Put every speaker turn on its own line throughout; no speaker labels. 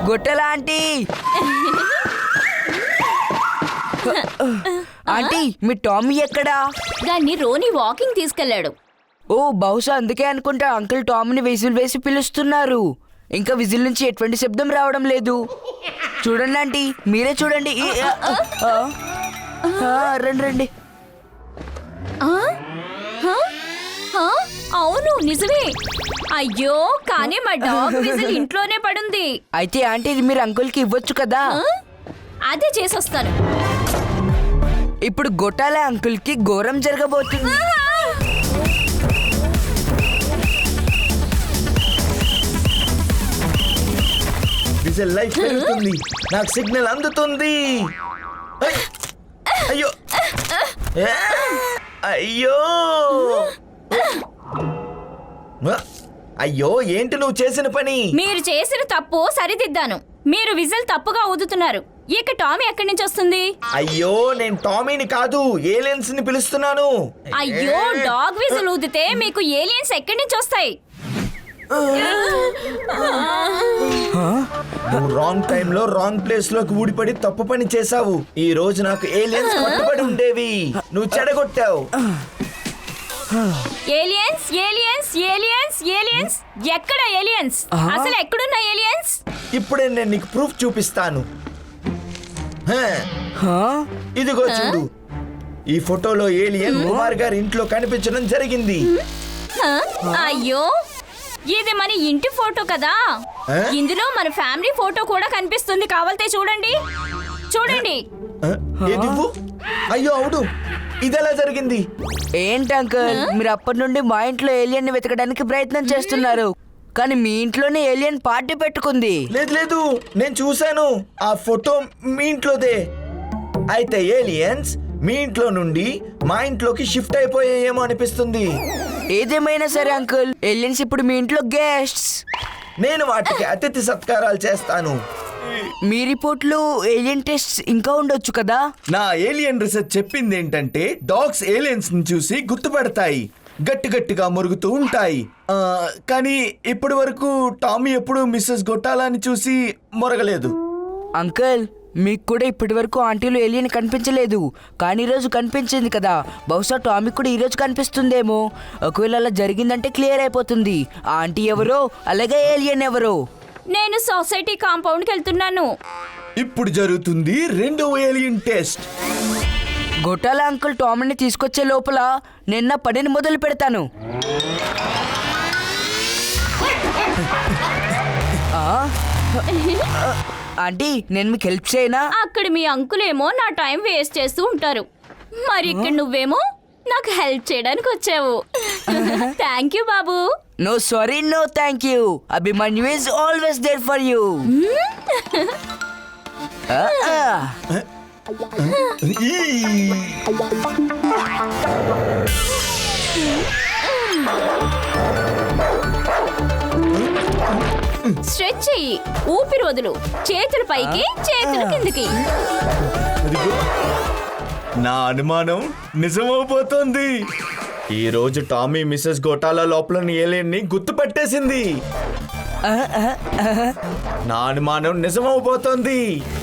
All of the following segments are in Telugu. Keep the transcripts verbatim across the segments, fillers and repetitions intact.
గొట్టెల ఆంటీ ఆంటీ మీ టామీ ఎక్కడా?
దాన్ని రోని వాకింగ్ తీసుకెళ్లాడు.
ఓ బహుశా అందుకే అనుకుంటా అంకుల్ టామీని విజిల్ వేసి పిలుస్తున్నారు. ఇంకా విజిల్ నుంచి ఎటువంటి శబ్దం రావడం లేదు. చూడండి ఆంటీ, మీరే చూడండి. ఈ, ఆ, ఆ, ఆ, రండి రండి.
ఆ? ఆ? ఆ? అవును నిజమే. అయ్యో కానీ మా డాగ్ విజిల్ ఇంట్లోనే పడుంది.
అయితే ఆంటీ ఇది మీరు అంకుల్ కి ఇవ్వచ్చు కదా.
ఆ? అదే చేసొస్తాను.
ఇప్పుడు గొట్టాల అంకుల్ కి ఘోరం జరగబోతుంది.
విజిల్ లైఫ్ పెరుగుతుంది. నాకు సిగ్నల్ అందుతుంది. అయ్యో అయ్యో అయ్యో ఏంటి నువ్వు చేసిన పని?
మీరు చేసిన తప్పు సరిదిద్దాను. మీరు విజిల్ తప్పుగా ఊదుతున్నారు. ఇక టామీ ఎక్కడి నుంచి వస్తుంది?
అయ్యో నేను టామీని కాదు ఏలియన్స్ ని పిలుస్తున్నాను.
అయ్యో డాగ్ విజిల్ ఊదితే మీకు ఏలియన్స్ ఎక్కడి నుంచి వస్తాయి?
నువ్వు రాంగ్ టైమ్ లో రాంగ్ ప్లేస్ లోకి ఊడిపడి తప్పు పని చేసావు. ఈ రోజు నాకు ఏలియన్స్ పట్టుబడి ఉండేవి. నువ్వు చెడగొట్టావు.
ఏలియన్స్ ఏలియన్స్ ఏలియన్స్ ఏలియన్స్ ఎక్కడ ఏలియన్స్? అసలు ఎక్కడున్న ఏలియన్స్?
ఇప్పుడే నేను నీకు ప్రూఫ్ చూపిస్తాను. హ,
హా?
ఇదిగో చూడు. ఈ ఫోటోలో ఏలియన్ కుమార్ గారి ఇంట్లో కనిపించడం జరిగింది.
హ? అయ్యో ఇది మన ఇంటి ఫోటో కదా.
ఆ?
ఇందులో మన ఫ్యామిలీ ఫోటో కూడా కనిపిస్తుంది. కావాలంటే చూడండి చూడండి.
హ, ఏది ఇవ్వు. అయ్యో అవును, ఇదెలా జరిగింది?
ఏంటి అంకుల్ మీరు అప్పటి నుండి మా ఇంట్లో ఏలియన్ ని వెతకడానికి ప్రయత్నం చేస్తున్నారు, కానీ మీ ఇంట్లోనే ఏలియన్ పార్టీ పెట్టుకుంది.
లేదు లేదు, నేను చూశాను. ఆ ఫోటో మీ ఇంట్లోదే. అయితే ఏలియన్స్ మీ ఇంట్లో నుండి మా ఇంట్లోకి షిఫ్ట్ అయిపోయాయేమో అనిపిస్తుంది.
ఏదేమైనా సరే అంకుల్, ఏలియన్స్ ఇప్పుడు మీ ఇంట్లో గెస్ట్స్.
నేను వాటికి అతిథి సత్కారాలు చేస్తాను.
మీ రిపోర్ట్లో ఏలియన్ టెస్ట్ ఇంకా ఉండొచ్చు కదా.
నా ఏలియన్ రీసెర్చ్ చెప్పింది ఏంటంటే డాగ్స్ ఏలియన్స్ ని చూసి గుర్తుపడతాయి, గట్టి గట్టిగా మురుగుతూ ఉంటాయి. ఆ, కానీ ఇప్పటి వరకు టామీ ఎప్పుడు మిస్సెస్ గొట్టాలని చూసి మొరగలేదు.
అంకుల్ మీకు కూడా ఇప్పటి వరకు ఆంటీలో ఏలియన్ కనిపించలేదు, కానీ ఈరోజు కనిపించింది కదా. బహుశా టామీ కూడా ఈరోజు కనిపిస్తుందేమో. ఒకవేళ అలా జరిగిందంటే క్లియర్ అయిపోతుంది ఆంటీ ఎవరో అలాగే ఏలియన్ ఎవరో.
నేను సొసైటీ కాంపౌండ్కి వెళ్తున్నాను.
ఇప్పుడు జరుగుతుంది రెండవ ఏలియన్ టెస్ట్.
గొట్టాల అంకుల్ టామీని తీసుకొచ్చే లోపల నిన్న పనిని మొదలు పెడతాను. ఆ? ఆంటీ నేను మీకు హెల్ప్ చేయనా?
అక్కడ మీ అంకులేమో నా టైం వేస్ట్ చేస్తూ ఉంటారు, మరి ఇక్కడ నువ్వేమో నాకు హెల్ప్ చేయడానికి వచ్చావు. థ్యాంక్ యూ బాబు.
No sorry no thank you. Abhimanyu is always there for you.
Stretch చెయ్యి, ఊపిరి వదులు, చేతులు పైకి చేతులు కిందకి.
నా అనుమానం నిజమైపోతుంది. ఈ రోజు టామీ మిస్సెస్ గోటాల లోపల ఏలియన్ ని గుర్తుపట్టేసింది. నా అనుమానం నిజమైపోతుంది.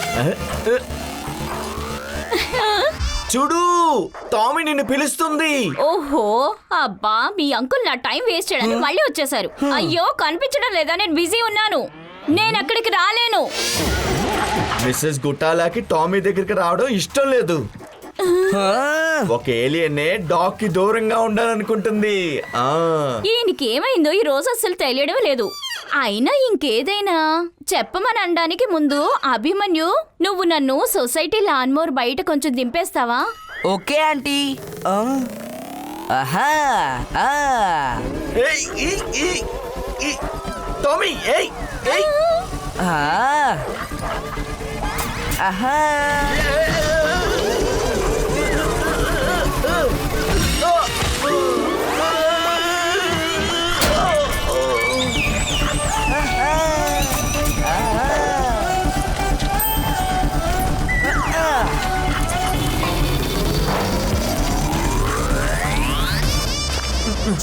చూడు, టామీ నిన్ను పిలుస్తుంది.
ఓహో అబ్బా, మీ అంకుల్ నా టైం వేస్ట్ చేయడానికి మళ్ళీ వచ్చేసారు. అయ్యో కనిపించడం లేదా? నేను బిజీ ఉన్నాను, నేను అక్కడికి రాలేను.
మిస్సెస్ గుట్టాలాకి టామీ దగ్గరికి రావడం ఇష్టం లేదు. ఒక ఏలియనే డాగ్ కి దూరంగా ఉండాలనుకుంటుంది. ఆ
ఈయనకి ఏమైందో ఈ రోజు అసలు తెలియడం లేదు. అయినా ఇంకేదైనా చెప్పమని అనడానికి ముందు అభిమన్యు, నువ్వు నన్ను సొసైటీ లాన్మోర్ బయట కొంచెం దింపేస్తావా?
Okay aunty. ఆహా.
ఏయ్, ఈ, ఈ, ఈ. టామీ ఏయ్ ఏయ్.
ఆహా.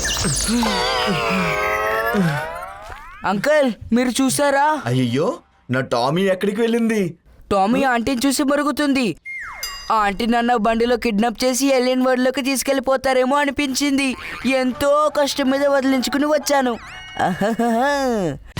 అంకుల్ మీరు చూసారా?
అయ్యో, నా టామీ ఎక్కడికి వెళ్ళింది?
టామీ ఆంటీని చూసి మరుగుతుంది. ఆ ఆంటీ నన్ను బండిలో కిడ్నాప్ చేసి ఎలియన్ వరల్డ్లోకి తీసుకెళ్ళిపోతారేమో అనిపించింది. ఎంతో కష్టం మీద వదిలించుకుని వచ్చాను. ఆహాహాహా.